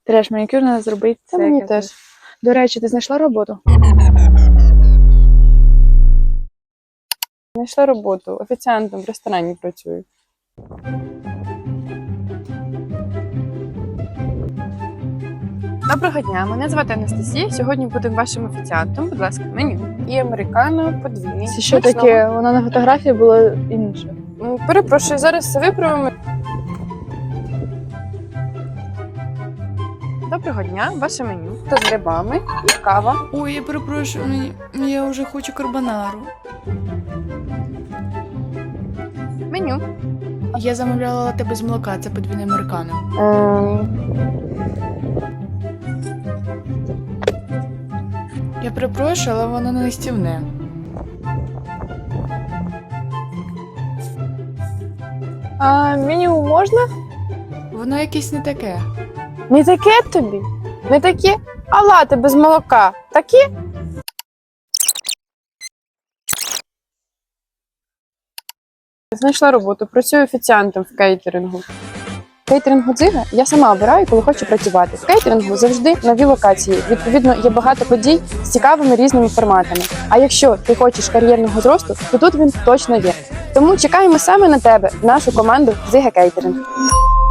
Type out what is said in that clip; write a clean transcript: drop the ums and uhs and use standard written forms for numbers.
Треш, манікюр треба зробити. Це мені теж. До речі, ти знайшла роботу? Знайшла роботу. Офіціантом в ресторані працюю. Доброго дня, мене звати Анастасія. Сьогодні будемо вашим офіціантом. Будь ласка, меню. І американо подвійний. Це що таке? Вона на фотографії була інша. Перепрошую, зараз все виправимо. Доброго дня, ваше меню. Та з грибами і кава. Ой, я перепрошую, я вже хочу карбонару. Меню. Я замовляла лате без молока, це подвійне американо. Я перепрошую, але воно не стівне. А меню можна? Воно якесь не таке. Не таке тобі? Не таке? А лате без молока? Такі? Знайшла роботу, працюю офіціантом в кейтерингу. Кейтерингу «Дзига» я сама обираю, коли хочу працювати. В кейтерингу завжди нові локації. Відповідно, є багато подій з цікавими різними форматами. А якщо ти хочеш кар'єрного зросту, то тут він точно є. Тому чекаємо саме на тебе, в нашу команду «Дзига Кейтеринг».